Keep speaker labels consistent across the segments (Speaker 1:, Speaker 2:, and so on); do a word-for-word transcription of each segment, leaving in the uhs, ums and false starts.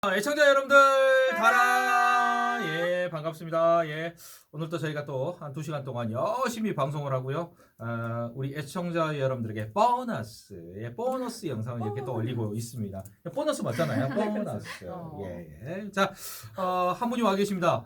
Speaker 1: 애청자 여러분들 달아 예 반갑습니다. 예 오늘도 저희가 또 한 두 시간 동안 열심히 방송을 하고요. 어, 우리 애청자 여러분들에게 보너스 예 보너스 영상을 이렇게 또 올리고 있습니다. 보너스 맞잖아요. 보너스 예. 자 어, 한 분이 와 계십니다.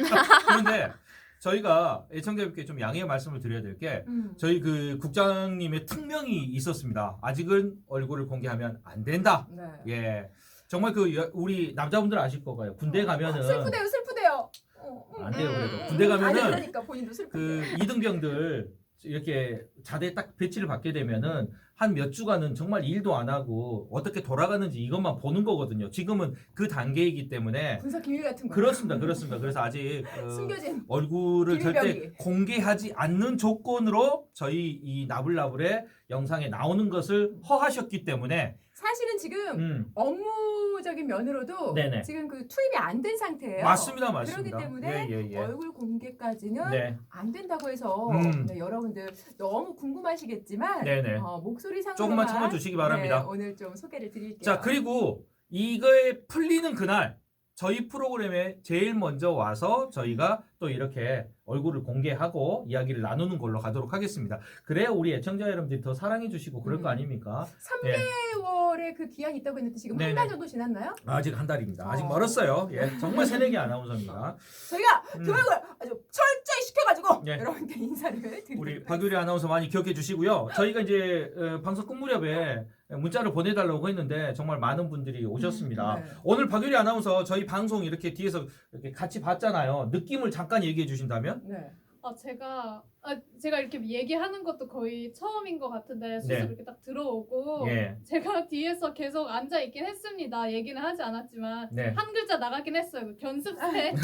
Speaker 1: 그런데 저희가 애청자분께 좀 양해의 말씀을 드려야 될 게
Speaker 2: 음.
Speaker 1: 저희 그 국장님의 특명이 있었습니다. 아직은 얼굴을 공개하면 안 된다.
Speaker 2: 네.
Speaker 1: 예. 정말 그 여- 우리 남자분들 아실 거가요. 군대 가면은
Speaker 2: 슬프대요, 슬프대요. 어, 음,
Speaker 1: 안 돼요,
Speaker 2: 음,
Speaker 1: 그래도.
Speaker 2: 음,
Speaker 1: 군대
Speaker 2: 음.
Speaker 1: 가면은
Speaker 2: 아니, 그러니까 본인도 슬프대.
Speaker 1: 그 이등병들 이렇게 자대에 딱 배치를 받게 되면은 한 몇 주간은 정말 일도 안 하고 어떻게 돌아가는지 이것만 보는 거거든요. 지금은 그 단계이기 때문에
Speaker 2: 군사 기밀 같은 거.
Speaker 1: 그렇습니다, 그렇습니다. 그래서 아직 어,
Speaker 2: 숨겨진.
Speaker 1: 얼굴을 절대
Speaker 2: 비밀병기.
Speaker 1: 공개하지 않는 조건으로 저희 이 나불나불의 영상에 나오는 것을 허하셨기 때문에
Speaker 2: 사실은 지금
Speaker 1: 음,
Speaker 2: 업무적인 면으로도
Speaker 1: 네네.
Speaker 2: 지금 그 투입이 안 된 상태예요.
Speaker 1: 맞습니다, 맞습니다.
Speaker 2: 그렇기 때문에
Speaker 1: 예, 예, 예.
Speaker 2: 얼굴 공개까지는
Speaker 1: 네.
Speaker 2: 안 된다고 해서
Speaker 1: 음.
Speaker 2: 네, 여러분들 너무 궁금하시겠지만
Speaker 1: 네네.
Speaker 2: 어, 목소리 상으로만
Speaker 1: 조금만 참아주시기 바랍니다.
Speaker 2: 네, 오늘 좀 소개를 드릴게요.
Speaker 1: 자, 그리고 이거에 풀리는 그날 저희 프로그램에 제일 먼저 와서 저희가 또 이렇게 얼굴을 공개하고 이야기를 나누는 걸로 가도록 하겠습니다. 그래야 우리 애청자 여러분들이 더 사랑해 주시고 그럴 거
Speaker 2: 음.
Speaker 1: 아닙니까?
Speaker 2: 삼
Speaker 1: 예.
Speaker 2: 개월의 그 기한이 있다고 했는데 지금
Speaker 1: 네네.
Speaker 2: 한 달 정도 지났나요?
Speaker 1: 아직 한 달입니다. 아직
Speaker 2: 어.
Speaker 1: 멀었어요. 예, 정말 새내기 아나운서입니다.
Speaker 2: 저희가
Speaker 1: 음.
Speaker 2: 교육을 아주 철저히 시켜가지고
Speaker 1: 예.
Speaker 2: 여러분께 인사를 드리도록
Speaker 1: 우리 박유리 아나운서 많이 기억해 주시고요. 저희가 이제 어, 방송 끝 무렵에 문자를 보내달라고 했는데 정말 많은 분들이 오셨습니다.
Speaker 2: 네.
Speaker 1: 오늘 박유리 아나운서 저희 방송 이렇게 뒤에서 이렇게 같이 봤잖아요. 느낌을 잠깐 얘기해 주신다면?
Speaker 2: 네.
Speaker 3: 아 제가 아 제가 이렇게 얘기하는 것도 거의 처음인 것 같은데 수습
Speaker 1: 네.
Speaker 3: 이렇게 딱 들어오고
Speaker 1: 예.
Speaker 3: 제가 뒤에서 계속 앉아 있긴 했습니다. 얘기는 하지 않았지만
Speaker 1: 네.
Speaker 3: 한 글자 나가긴 했어요. 그 견습생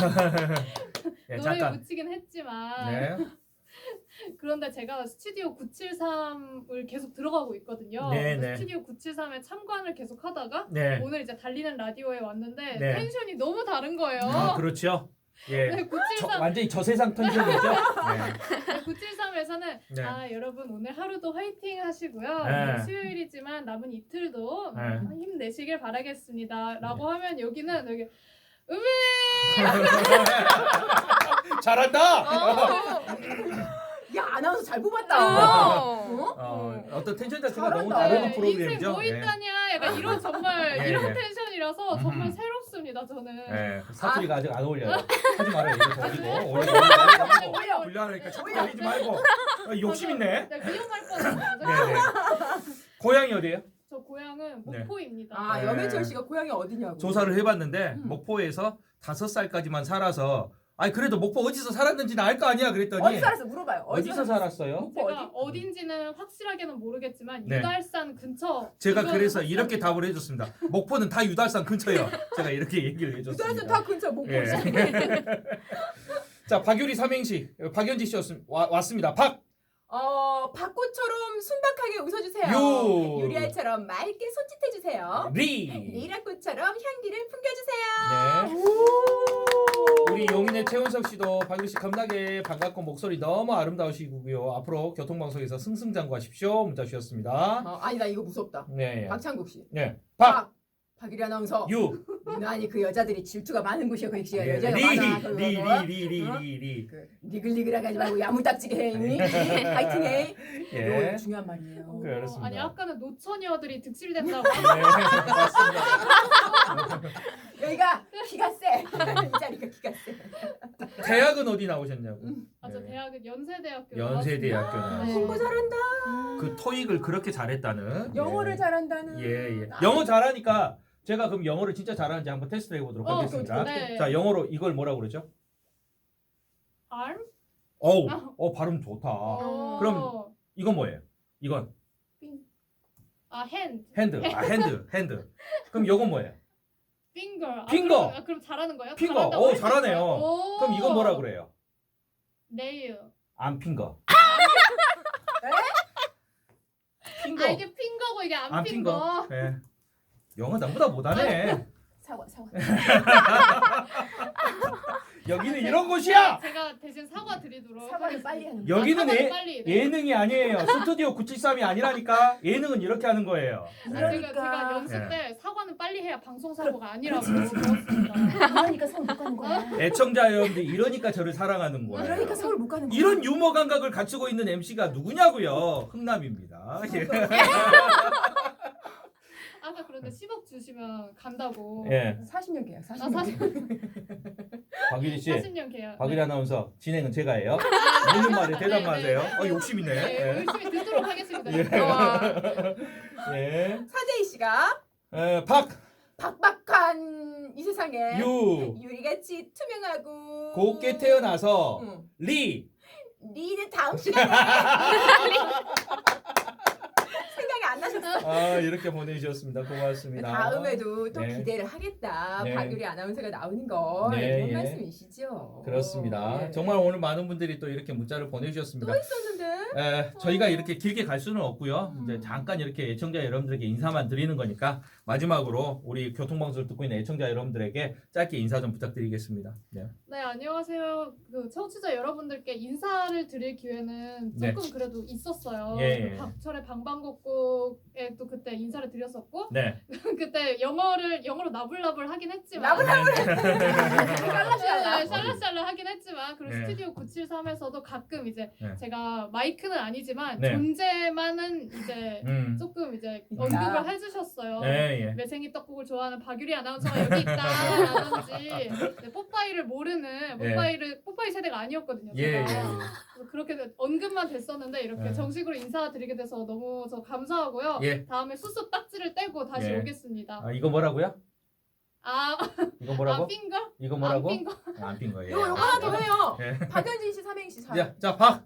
Speaker 1: 예,
Speaker 3: 노래
Speaker 1: 잠깐.
Speaker 3: 붙이긴 했지만
Speaker 1: 네.
Speaker 3: 그런데 제가 스튜디오 구칠삼을 계속 들어가고 있거든요.
Speaker 1: 네,
Speaker 3: 그래서
Speaker 1: 네.
Speaker 3: 스튜디오 구칠삼에 참관을 계속 하다가
Speaker 1: 네.
Speaker 3: 오늘 이제 달리는 라디오에 왔는데
Speaker 1: 네.
Speaker 3: 텐션이 너무 다른 거예요.
Speaker 1: 아, 그렇죠. 예.
Speaker 3: 네,
Speaker 1: 저,
Speaker 3: 구칠삼
Speaker 1: 완전히 저세상 텐션이죠? 네.
Speaker 3: 구칠삼에서는
Speaker 1: 네.
Speaker 3: 아 여러분 오늘 하루도 화이팅 하시고요.
Speaker 1: 네.
Speaker 3: 오늘 수요일이지만 남은 이틀도
Speaker 1: 네.
Speaker 3: 음, 힘내시길 바라겠습니다. 라고 하면 여기는 여기 음이
Speaker 1: 잘한다!
Speaker 3: 어,
Speaker 2: 야 아나운서 잘 뽑았다.
Speaker 3: 어.
Speaker 2: 어?
Speaker 1: 어, 어떤 텐션 자체가
Speaker 2: 잘한다.
Speaker 1: 너무 다른
Speaker 3: 네,
Speaker 1: 프로그램이죠?
Speaker 3: 인생 뭐 있다냐 약간 이런 정말
Speaker 1: 예,
Speaker 3: 이런
Speaker 1: 예.
Speaker 3: 텐션이라서 정말
Speaker 1: 음.
Speaker 3: 새롭습니다 저는.
Speaker 1: 네. 사투리가 아직 안 어울려요. 하지 말아요. 이거 더 올리고. 올리고. 올리고.
Speaker 2: 올려.
Speaker 1: 불려하니까 자꾸 올리지 말고. 어, 욕심 있네.
Speaker 3: 네, 위험할 뻔했어요.
Speaker 1: 네네. 고향이 어디예요?
Speaker 3: 저 고향은
Speaker 1: 네.
Speaker 3: 목포입니다.
Speaker 2: 아
Speaker 1: 네.
Speaker 2: 염혜철 씨가 고향이 어디냐고.
Speaker 1: 조사를 해봤는데
Speaker 2: 음.
Speaker 1: 목포에서 다섯 살까지만 살아서 아니 그래도 목포 어디서 살았는지는 알 거 아니야 그랬더니
Speaker 2: 어디 살았어 물어봐요.
Speaker 1: 어디서 살았어요?
Speaker 2: 목포
Speaker 3: 제가
Speaker 2: 어디?
Speaker 3: 어딘지는 확실하게는 모르겠지만
Speaker 1: 네.
Speaker 3: 유달산 근처.
Speaker 1: 제가
Speaker 3: 이건
Speaker 1: 그래서
Speaker 3: 확실합니다.
Speaker 1: 이렇게 답을 해줬습니다. 목포는 다 유달산 근처예요. 제가 이렇게 얘기를 해줬습니다.
Speaker 2: 유달선 다 근처 목포.
Speaker 1: 예. 자 박유리 삼행시 박연지 씨였습니다. 와- 왔습니다. 박
Speaker 2: 어 벚꽃처럼 순박하게 웃어주세요.
Speaker 1: 유.
Speaker 2: 유리알처럼 맑게 손짓해주세요.
Speaker 1: 리.
Speaker 2: 리라꽃처럼 향기를 풍겨주세요.
Speaker 1: 네. 우리 용인의 최은석 씨도 박유리 씨 겁나게 반갑고 목소리 너무 아름다우시고요. 앞으로 교통방송에서 승승장구하십시오. 문자 주셨습니다.
Speaker 2: 어, 아니 나 이거 무섭다.
Speaker 1: 네.
Speaker 2: 박창국 씨.
Speaker 1: 네. 박.
Speaker 2: 박유리 아나운서.
Speaker 1: 유.
Speaker 2: 유난히 그 여자들이 질투가 많은 곳이야. 그 시가
Speaker 1: 네.
Speaker 2: 여자가
Speaker 1: 리.
Speaker 2: 많아. 그거.
Speaker 1: 리.
Speaker 2: 어?
Speaker 1: 리. 리. 리. 리.
Speaker 2: 그 리글리글하게 하지 말고 야무딱지게 해. 응? 파이팅해.
Speaker 1: 예.
Speaker 2: 이거 중요한 말이에요.
Speaker 3: 어,
Speaker 1: 그렇습니다.
Speaker 3: 아니 아까는 노처녀들이 득실된다고.
Speaker 1: 네. 맞습니다.
Speaker 2: 여기가 기가 세. 이 자리가 기가 세.
Speaker 1: 대학은 어디 나오셨냐고.
Speaker 3: 아 저
Speaker 1: 네.
Speaker 3: 대학은 연세대학교.
Speaker 1: 연세대학교
Speaker 3: 나왔습니다.
Speaker 1: 나왔어요.
Speaker 3: 네.
Speaker 2: 공부 잘한다.
Speaker 1: 그 토익을 그렇게 잘했다는.
Speaker 2: 영어를
Speaker 1: 예.
Speaker 2: 잘한다는.
Speaker 1: 예, 예. 영어 잘하니까 제가 그럼 영어를 진짜 잘하는지 한번 테스트 해보도록
Speaker 3: 어,
Speaker 1: 하겠습니다.
Speaker 3: 네.
Speaker 1: 자, 영어로 이걸 뭐라고 그러죠?
Speaker 3: arm?
Speaker 1: 어우,
Speaker 3: 아.
Speaker 1: 어 발음 좋다.
Speaker 3: 어.
Speaker 1: 그럼 이건 뭐예요? 이건
Speaker 3: 아 hand.
Speaker 1: 핸드, 아 핸드, 핸드. 그럼 이건 뭐예요?
Speaker 3: finger. 아,
Speaker 1: 핑거.
Speaker 3: 그럼, 아, 그럼 잘하는 거예요?
Speaker 1: 핑거.
Speaker 3: 잘한다고
Speaker 1: 오,
Speaker 3: 할수 있어요?
Speaker 1: 잘하네요.
Speaker 3: 오.
Speaker 1: 그럼 이건 뭐라 그래요?
Speaker 3: nail.
Speaker 1: 안 핑거. 핑거.
Speaker 3: 아 이게 핑거고 이게 안,
Speaker 1: 안
Speaker 3: 핑거.
Speaker 1: 핑거. 예. 영어 나보다 못하네.
Speaker 2: 사과 사과.
Speaker 1: 여기는 이런 곳이야.
Speaker 3: 제가 대신 사과 드리도록
Speaker 2: 사과를 빨리 하는 거.
Speaker 1: 여기는
Speaker 3: 아, 사과를
Speaker 1: 예,
Speaker 3: 빨리, 네.
Speaker 1: 예능이 아니에요. 스튜디오 구칠삼이 아니라니까. 예능은 이렇게 하는 거예요.
Speaker 3: 아,
Speaker 1: 네.
Speaker 3: 제가,
Speaker 2: 그러니까.
Speaker 3: 제가 연습
Speaker 1: 예.
Speaker 3: 때 사과는 빨리 해야 방송 사고가 아니라고 배웠습니다.
Speaker 2: 그러니까 서울 못 가는 거야.
Speaker 1: 애청자 여러분들 이러니까 저를 사랑하는 거예요.
Speaker 2: 그러니까 서울 못 가는 거야.
Speaker 1: 이런 유머 감각을 갖추고 있는 엠씨가 누구냐고요? 흥남입니다. 예.
Speaker 3: 아까 그런데 십억 주시면 간다고.
Speaker 1: 예.
Speaker 2: 사십 년 계약. 사십
Speaker 3: 아,
Speaker 2: 년.
Speaker 3: 사십,
Speaker 1: 박유리 씨,
Speaker 3: 사십 년 계약.
Speaker 1: 박유리
Speaker 3: 네.
Speaker 1: 아나운서 진행은 제가 해요.
Speaker 3: 아,
Speaker 1: 묻는 말에
Speaker 3: 네,
Speaker 1: 대답
Speaker 3: 네,
Speaker 1: 마세요.
Speaker 3: 네.
Speaker 1: 어, 욕심 있네.
Speaker 3: 네,
Speaker 1: 예.
Speaker 3: 열심히 듣도록 하겠습니다.
Speaker 1: 예.
Speaker 2: 와.
Speaker 1: 예.
Speaker 2: 사재희 씨가
Speaker 1: 에, 박,
Speaker 2: 박박한 이 세상에
Speaker 1: 유,
Speaker 2: 유리같이 투명하고
Speaker 1: 곱게 태어나서
Speaker 2: 응.
Speaker 1: 리.
Speaker 2: 리는 다음 시간에 생각이 안 나셨어.
Speaker 1: 아, 이렇게 보내주셨습니다. 고맙습니다.
Speaker 2: 다음에도 또
Speaker 1: 네.
Speaker 2: 기대를 하겠다.
Speaker 1: 네.
Speaker 2: 박유리 아나운서가 나오는 거
Speaker 1: 네,
Speaker 2: 이런
Speaker 1: 예.
Speaker 2: 말씀이시죠.
Speaker 1: 그렇습니다.
Speaker 2: 네.
Speaker 1: 정말 오늘 많은 분들이 또 이렇게 문자를
Speaker 2: 또
Speaker 1: 보내주셨습니다.
Speaker 2: 있었는데
Speaker 1: 에, 저희가 이렇게 길게 갈 수는 없고요.
Speaker 2: 음.
Speaker 1: 이제 잠깐 이렇게 애청자 여러분들에게 인사만 드리는 거니까 마지막으로 우리 교통방송을 듣고 있는 애청자 여러분들에게 짧게 인사 좀 부탁드리겠습니다. 네.
Speaker 3: 네, 안녕하세요. 그 청취자 여러분들께 인사를 드릴 기회는
Speaker 1: 네.
Speaker 3: 조금 그래도 있었어요.
Speaker 1: 예, 예.
Speaker 3: 그 박철의 방방곡곡에 또 그때 인사를 드렸었고
Speaker 1: 네.
Speaker 3: 그때 영어를 영어로 나불나불 하긴 했지만
Speaker 2: 나불나불
Speaker 3: 샬라샬라 샬라샬라 하긴 했지만 그리고
Speaker 1: 네.
Speaker 3: 스튜디오 구칠삼에서도 가끔 이제
Speaker 1: 네.
Speaker 3: 제가 마이크는 아니지만
Speaker 1: 네.
Speaker 3: 존재만은 이제
Speaker 1: 음.
Speaker 3: 조금 이제
Speaker 2: 음.
Speaker 3: 언급을 해주셨어요.
Speaker 1: 네, 예.
Speaker 3: 매생이 떡국을 좋아하는 박유리 아나운서가 여기 있다라든지 네, 뽀빠이를 모르는 뽀빠이를 뽀빠이 세대가 아니었거든요.
Speaker 1: 예, 예,
Speaker 3: 제가.
Speaker 1: 예.
Speaker 3: 그래서 그렇게 언급만 됐었는데 이렇게
Speaker 1: 예.
Speaker 3: 정식으로 인사드리게 돼서 너무 저 감사하고요.
Speaker 1: 예.
Speaker 3: 다음에 수습 딱지를 떼고 다시
Speaker 1: 예.
Speaker 3: 오겠습니다.
Speaker 1: 아, 이거 뭐라고요?
Speaker 3: 아,
Speaker 1: 이거 뭐라고?
Speaker 3: 안 핀 거?
Speaker 1: 이거 뭐라고?
Speaker 3: 안 핀 거?
Speaker 1: 안 핀 거예요.
Speaker 2: 요거 요거 하나 더 해요.
Speaker 1: 예.
Speaker 2: 박현진 씨 삼행시 사.
Speaker 1: 자, 자, 박.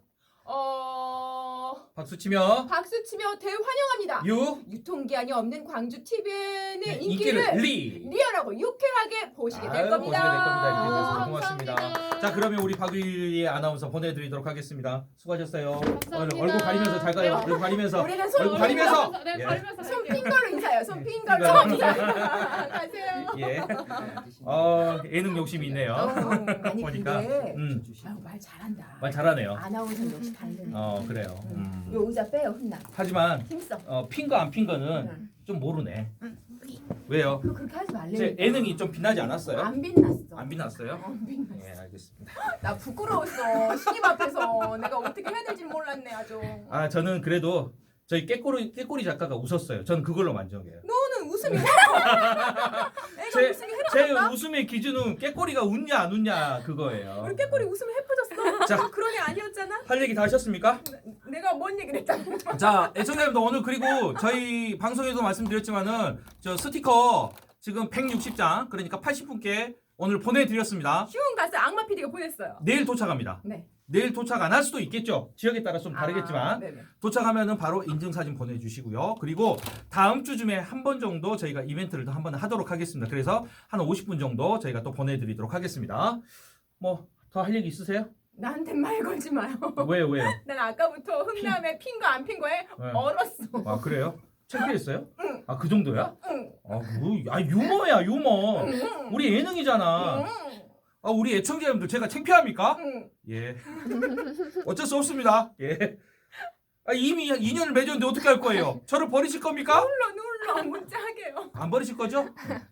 Speaker 2: 어
Speaker 1: 박수 치며
Speaker 2: 박수 치며 대환영합니다.
Speaker 1: 유.
Speaker 2: 유통기한이 없는 광주 티비엔의
Speaker 1: 네,
Speaker 2: 인기를,
Speaker 1: 인기를 리.
Speaker 2: 리얼하고 유쾌하게 보시게 될
Speaker 1: 아유,
Speaker 2: 겁니다.
Speaker 1: 보시게 될 겁니다. 이렇게 해주셔서
Speaker 3: 아,
Speaker 1: 고맙습니다.
Speaker 3: 감사합니다.
Speaker 1: 자, 그러면 우리 박유리 아나운서 보내드리도록 하겠습니다. 수고하셨어요.
Speaker 3: 감사합니다.
Speaker 1: 얼- 얼굴 가리면서 잘 가요. 얼굴 가리면서.
Speaker 2: 우리는 손
Speaker 1: 얼굴 가리면서.
Speaker 3: 네,
Speaker 1: 예.
Speaker 3: 가리면서
Speaker 2: 손
Speaker 3: 갈게요.
Speaker 2: 핀 걸로 인사해요. 손 핀 걸로
Speaker 1: 핀 걸로.
Speaker 2: 인사. 가세요.
Speaker 1: 예. 어, 예능 욕심이 있네요.
Speaker 2: 어, 아니
Speaker 1: 보니까.
Speaker 2: 근데
Speaker 1: 음,
Speaker 2: 아유, 말 잘한다.
Speaker 1: 말 잘하네요.
Speaker 2: 아나운서 역시 다르네.
Speaker 1: 어, 그래요. 음.
Speaker 2: 요 의자 빼요 혼나.
Speaker 1: 하지만
Speaker 2: 힘써.
Speaker 1: 어, 핀 거 안 핀 거는
Speaker 2: 응.
Speaker 1: 좀 모르네.
Speaker 2: 응.
Speaker 1: 왜요?
Speaker 2: 그 그렇게 하지 말래.
Speaker 1: 제 예능이 좀 빛나지 않았어요?
Speaker 2: 안 빛났어.
Speaker 1: 안 빛났어요?
Speaker 2: 안 빛났어.
Speaker 1: 예, 알겠습니다.
Speaker 2: 나 부끄러웠어. 신입 앞에서 내가 어떻게 해야 될지 몰랐네 아주.
Speaker 1: 아, 저는 그래도 저희 깨꼬리 깨꼬리 작가가 웃었어요. 저는 그걸로 만족해요.
Speaker 2: 너는 웃음이 해라.
Speaker 1: 제-
Speaker 2: 애가 웃음이
Speaker 1: 제
Speaker 2: 해라던가.
Speaker 1: 웃음의 기준은 깨꼬리가 웃냐 안 웃냐 그거예요.
Speaker 2: 우리 깨꼬리 웃음이 해퍼졌어.
Speaker 1: 자.
Speaker 2: 너 그런 애 아니었잖아.
Speaker 1: 할 얘기 다 하셨습니까?
Speaker 2: 내가 뭔 얘기를 했잖아.
Speaker 1: 자, 애청자 여러분들 오늘 그리고 저희 방송에도 말씀드렸지만은 저 스티커 지금 백육십 장 그러니까 팔십 분께 오늘 보내드렸습니다.
Speaker 2: 휴운 가서 악마 피디가 보냈어요.
Speaker 1: 내일 도착합니다.
Speaker 2: 네.
Speaker 1: 내일 도착 안 할 수도 있겠죠. 지역에 따라 좀
Speaker 2: 아,
Speaker 1: 다르겠지만
Speaker 2: 네네.
Speaker 1: 도착하면은 바로 인증사진 보내주시고요. 그리고 다음 주쯤에 한 번 정도 저희가 이벤트를 더 한 번 하도록 하겠습니다. 그래서 한 오십 분 정도 저희가 또 보내드리도록 하겠습니다. 뭐 더 할 얘기 있으세요?
Speaker 2: 나한테 말 걸지 마요.
Speaker 1: 왜요, 왜요?
Speaker 2: 난 아까부터 흥남에 핀 거 안 핀 거에
Speaker 1: 네.
Speaker 2: 얼었어.
Speaker 1: 아 그래요? 창피했어요?
Speaker 2: 응.
Speaker 1: 아 그 정도야?
Speaker 2: 응.
Speaker 1: 아, 뭐, 아 유머야 유머.
Speaker 2: 응.
Speaker 1: 우리 예능이잖아.
Speaker 2: 응.
Speaker 1: 아 우리 애청자 여러분들 제가 창피합니까?
Speaker 2: 응.
Speaker 1: 예. 어쩔 수 없습니다. 예. 아, 이미 인연을 맺었는데 어떻게 할 거예요? 저를 버리실 겁니까?
Speaker 2: 눌러 눌러 문자하게요.
Speaker 1: 안 버리실 거죠?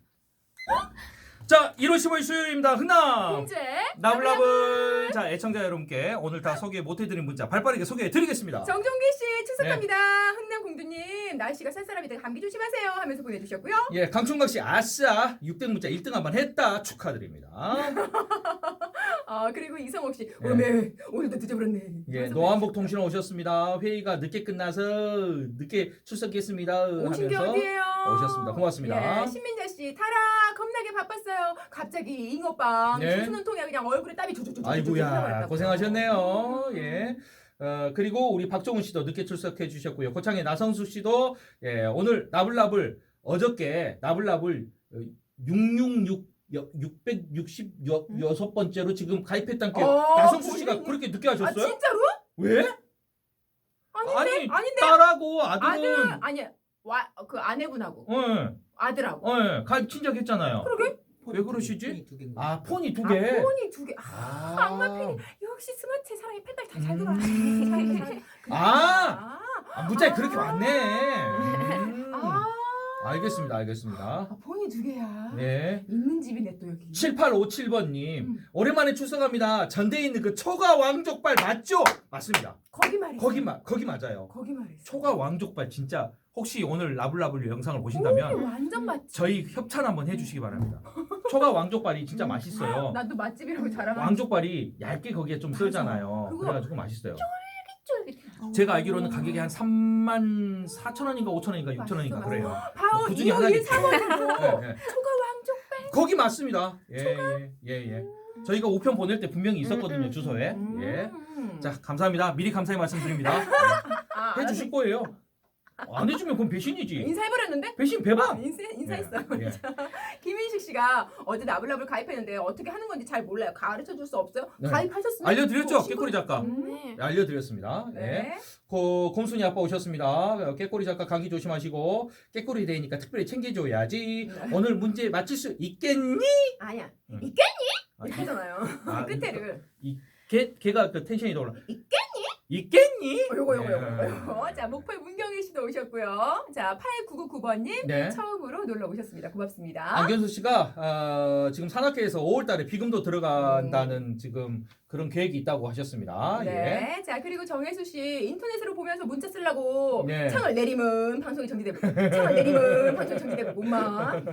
Speaker 1: 자, 일월 십오일 수요일입니다. 흔남.
Speaker 2: 공제.
Speaker 1: 나블나블. 자, 애청자 여러분께 오늘 다 소개 못해드린 문자 발빠르게 소개해드리겠습니다.
Speaker 2: 정종기 씨 출석합니다. 흥남 공주님 날씨가 쌀쌀합니다. 감기 조심하세요 하면서 보내주셨고요.
Speaker 1: 예, 강충각 씨 아싸 육 등 문자 일 등 한번 했다 축하드립니다.
Speaker 2: 아 그리고 이성옥 씨
Speaker 1: 예.
Speaker 2: 오메 오늘도 늦어버렸네.
Speaker 1: 예, 노한복 통신원 오셨습니다. 회의가 늦게 끝나서 늦게 출석했습니다.
Speaker 2: 오신 게
Speaker 1: 하면서
Speaker 2: 어디예요?
Speaker 1: 오셨습니다. 고맙습니다.
Speaker 2: 예, 신민자 씨 타라 겁나게 바빴어요. 갑자기 잉어빵
Speaker 1: 네.
Speaker 2: 수는 통에 그냥 얼굴에 땀이 조조조조.
Speaker 1: 아이고야 고생하셨네요. 예. 어, 그리고 우리 박종훈 씨도 늦게 출석해 주셨고요. 고창의 나성수 씨도 예, 오늘 나불나불 어저께 나불나불 육백육십육 육백육십육 번째로 지금 가입했다는 게
Speaker 2: 어,
Speaker 1: 나성수 씨가
Speaker 2: 본인이-
Speaker 1: 그렇게 늦게
Speaker 2: 아
Speaker 1: 하셨어요?
Speaker 2: 진짜로?
Speaker 1: 왜?
Speaker 2: 아닌데
Speaker 1: 아니,
Speaker 2: 아닌데
Speaker 1: 딸하고 아들은
Speaker 2: 아들 아니 와 그 아내분하고
Speaker 1: 어,
Speaker 2: 아들하고
Speaker 1: 어, 가입 친작했잖아요.
Speaker 2: 그러게
Speaker 1: 왜 그러시지?
Speaker 4: 폰이 두 개인 거.
Speaker 1: 아 폰이 두
Speaker 2: 아,
Speaker 1: 개.
Speaker 2: 폰이 두 개. 아,
Speaker 1: 아.
Speaker 2: 악마 팬이 역시 스마트해. 사람이 펜달 다 잘
Speaker 1: 음.
Speaker 2: 돌아. 잘 돌아.
Speaker 1: 아. 아, 문자에
Speaker 2: 아.
Speaker 1: 그렇게 왔네. 음.
Speaker 2: 아.
Speaker 1: 알겠습니다, 알겠습니다.
Speaker 2: 아, 폰이 두 개야.
Speaker 1: 네.
Speaker 2: 있는 집이네 또 여기.
Speaker 1: 칠팔오칠 번님
Speaker 2: 음.
Speaker 1: 오랜만에 출석합니다. 전대에 있는 그 초가 왕족발 맞죠? 맞습니다.
Speaker 2: 거기 말이지.
Speaker 1: 거기 마, 거기 맞아요.
Speaker 2: 거기 말이지.
Speaker 1: 초가 왕족발 진짜 혹시 오늘 라블라블 영상을
Speaker 2: 오,
Speaker 1: 보신다면
Speaker 2: 완전 맛집.
Speaker 1: 저희 협찬 한번 해주시기 바랍니다. 초가 왕족발이 진짜 맛있어요.
Speaker 2: 나도 맛집이라고 자랑하는.
Speaker 1: 왕족발이 얇게 거기에 좀
Speaker 2: 맞아.
Speaker 1: 썰잖아요.
Speaker 2: 그거
Speaker 1: 그래가지고 맛있어요.
Speaker 2: 쫄깃쫄깃.
Speaker 1: 제가 알기로는 가격이 한 삼만 사천 원인가 오천 원인가 육천 원인가
Speaker 2: 맛있어,
Speaker 1: 그래요.
Speaker 2: 바로
Speaker 1: 그 중에
Speaker 2: 이
Speaker 1: 하나겠지.
Speaker 2: 일 삼 원으로
Speaker 1: 네, 네.
Speaker 2: 초가 왕족발.
Speaker 1: 거기 맞습니다. 예, 예, 예, 예. 저희가 우편 보낼 때 분명히 있었거든요,
Speaker 2: 음, 음,
Speaker 1: 주소에.
Speaker 2: 음.
Speaker 1: 예. 자, 감사합니다. 미리 감사의 말씀드립니다.
Speaker 2: 아,
Speaker 1: 해 주실 거예요. 안 해주면 그건 배신이지.
Speaker 2: 인사해버렸는데?
Speaker 1: 배신
Speaker 2: 어,
Speaker 1: 배방.
Speaker 2: 인사, 인사했어요.
Speaker 1: 예, 예.
Speaker 2: 김인식 씨가 어제 나블라블 가입했는데 어떻게 하는 건지 잘 몰라요. 가르쳐 줄 수 없어요?
Speaker 1: 네.
Speaker 2: 가입하셨습니까?
Speaker 1: 알려드렸죠,
Speaker 2: 어,
Speaker 1: 깨꼬리 작가.
Speaker 2: 음.
Speaker 3: 네.
Speaker 1: 알려드렸습니다. 네.
Speaker 2: 네.
Speaker 1: 고, 곰순이 아빠 오셨습니다. 깨꼬리 작가 감기 조심하시고 깨꼬리 데이니까 특별히 챙겨줘야지.
Speaker 2: 네.
Speaker 1: 오늘 문제 맞힐 수 있겠니?
Speaker 2: 아니야.
Speaker 1: 음.
Speaker 2: 있겠니?
Speaker 1: 아,
Speaker 2: 이렇게 하잖아요.
Speaker 1: 아,
Speaker 2: 끝에를.
Speaker 1: 걔, 걔가 그 텐션이 더 올라. 있겠니? 있겠니?
Speaker 2: 어, 요거 요거
Speaker 1: 네.
Speaker 2: 요거 요거. 자, 목포의 문경일 씨도 오셨고요. 자, 팔구구구 번님
Speaker 1: 네.
Speaker 2: 처음으로 놀러 오셨습니다. 고맙습니다.
Speaker 1: 안견수 씨가 어, 지금 산악회에서 오월 달에 비금도 들어간다는 지금 그런 계획이 있다고 하셨습니다. 예.
Speaker 2: 네. 자, 그리고 정혜수 씨 인터넷으로 보면서 문자 쓰려고
Speaker 1: 네.
Speaker 2: 창을 내리면 방송이 정지되고 창을 내리면 방송이 정지되고 몸만.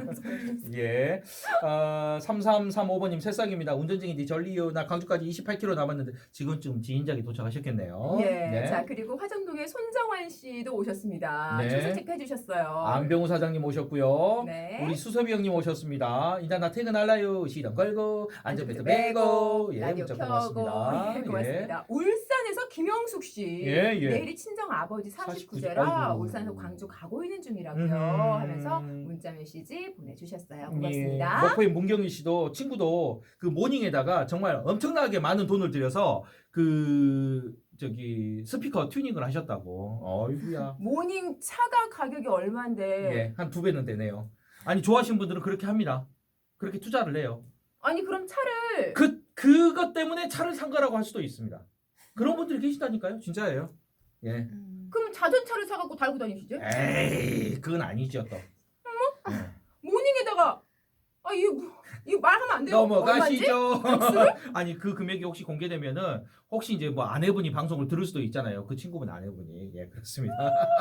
Speaker 1: 예. 어, 삼삼삼오 번님 새싹입니다. 운전 중인데 전리요. 나 광주까지 이십팔 킬로미터 남았는데 지금쯤 지인작이 도착하셨겠네요.
Speaker 2: 예.
Speaker 1: 네.
Speaker 2: 자, 그리고 화정동의 손정환 씨도 오셨습니다.
Speaker 1: 네.
Speaker 2: 출석 체크해 주셨어요.
Speaker 1: 안병우 사장님 오셨고요.
Speaker 2: 네.
Speaker 1: 우리 수섭이 형님 오셨습니다. 일단 나 퇴근할라요. 시동 걸고 안전벨트 매고 예,
Speaker 2: 라디오
Speaker 1: 문자
Speaker 2: 켜고
Speaker 1: 고맙습니다.
Speaker 2: 예, 고맙습니다. 울산에서 김영숙 씨
Speaker 1: 예, 예.
Speaker 2: 내일이 친정 아버지
Speaker 1: 사십구
Speaker 2: 사십구
Speaker 1: 세.
Speaker 2: 세라
Speaker 1: 아이고.
Speaker 2: 울산에서 광주 가고 있는 중이라고요
Speaker 1: 음.
Speaker 2: 하면서 문자 메시지 보내주셨어요. 고맙습니다.
Speaker 1: 예, 목포인 문경희 씨도 친구도 그 모닝에다가 정말 엄청나게 많은 돈을 들여서 그 저기 스피커 튜닝을 하셨다고. 어이구야.
Speaker 2: 모닝 차가 가격이 얼마인데
Speaker 1: 예, 한 두 배는 되네요. 아니 좋아하시는 분들은 그렇게 합니다. 그렇게 투자를 해요.
Speaker 2: 아니 그럼 차를
Speaker 1: 그 그것 때문에 차를 산 거라고 할 수도 있습니다. 그런 분들이 계시다니까요. 진짜예요. 예.
Speaker 3: 음.
Speaker 2: 그럼 자전차를 사갖고 달고 다니시죠?
Speaker 1: 에이, 그건 아니죠 또. 예.
Speaker 2: 모닝에다가 아 이거 뭐, 이거 말하면 안 돼요. 얼마인지?
Speaker 1: 넘어가시죠. 아니 그 금액이 혹시 공개되면은 혹시 이제 뭐 아내분이 방송을 들을 수도 있잖아요. 그 친구분 아내분이 예 그렇습니다.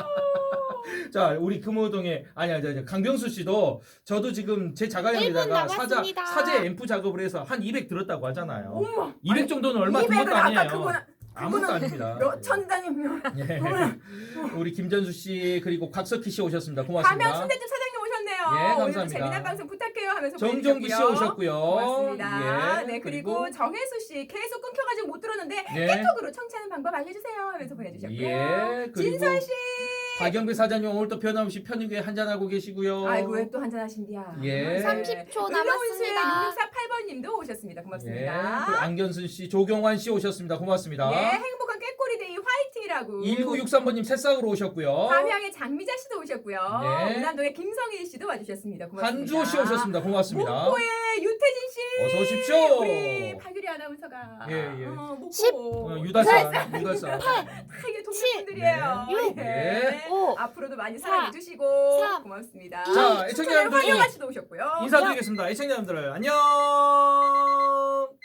Speaker 1: 자 우리 금호동의 아니 아니 아니 강병수 씨도 저도 지금 제
Speaker 3: 일 분
Speaker 1: 자가용에다가 사자
Speaker 3: 남았습니다.
Speaker 1: 사제 앰프 작업을 해서 한 이백 들었다고 하잖아요.
Speaker 2: 엄마.
Speaker 1: 이백 정도는 얼마 든 것도
Speaker 2: 이백은 아까
Speaker 1: 아니에요.
Speaker 2: 그거는
Speaker 1: 아무것도
Speaker 2: 그거는
Speaker 1: 아닙니다.
Speaker 2: 몇천 단위면
Speaker 1: 예. 우리 김전수 씨 그리고 곽석희 씨 오셨습니다. 고맙습니다.
Speaker 2: 가명 순대집 사장님 오셨네요.
Speaker 1: 예,
Speaker 2: 오늘도
Speaker 1: 감사합니다.
Speaker 2: 재미난 방송 부탁해요 하면서
Speaker 1: 정종기 씨
Speaker 2: 보내주셨고요.
Speaker 1: 오셨고요.
Speaker 2: 고맙습니다.
Speaker 1: 예,
Speaker 2: 네 그리고, 정혜수 씨 계속 끊겨가지고 못 들었는데
Speaker 1: 예.
Speaker 2: 깨톡으로 청취하는 방법 알려주세요 하면서 보내주셨고요.
Speaker 1: 예, 그리고
Speaker 2: 진선 씨.
Speaker 1: 박영배 사장님 오늘 또 변함없이 편육에 한잔하고 계시고요.
Speaker 2: 아이고 왜 또 한잔 하신디야.
Speaker 1: 예.
Speaker 3: 삼십 초
Speaker 2: 남았습니다.
Speaker 3: 남았습니다.
Speaker 2: 육육사팔 번님도 오셨습니다.
Speaker 1: 예.
Speaker 2: 고맙습니다.
Speaker 1: 그리고 안견순 씨, 조경환 씨 오셨습니다. 고맙습니다.
Speaker 2: 예, 행복한 깨꼬리데이 화이팅이라고.
Speaker 1: 일구육삼 번님 새싹으로 오셨고요.
Speaker 2: 담양의 장미자 씨도 오셨고요.
Speaker 1: 네.
Speaker 2: 운남동의 김성희 씨도 와주셨습니다. 고맙습니다.
Speaker 1: 한주호 씨 오셨습니다. 고맙습니다.
Speaker 2: 목포의 유태진 씨.
Speaker 1: 어서 오십시오.
Speaker 2: 우리 박유리 아나운서가.
Speaker 1: 예, 예.
Speaker 2: 어, 목포.
Speaker 3: 십.
Speaker 1: 어, 유달산, 유달산.
Speaker 2: 다 이게 동료분들이에요.
Speaker 1: 네. 육.
Speaker 2: 예.
Speaker 3: 오.
Speaker 2: 앞으로도 많이
Speaker 3: 사.
Speaker 2: 사랑해주시고
Speaker 3: 삼.
Speaker 2: 고맙습니다.
Speaker 1: 자,
Speaker 2: 춘천의
Speaker 1: 애청자 여러분
Speaker 2: 황영아 씨도 오셨고요.
Speaker 1: 인사드리겠습니다. 애청자 여러분들 안녕.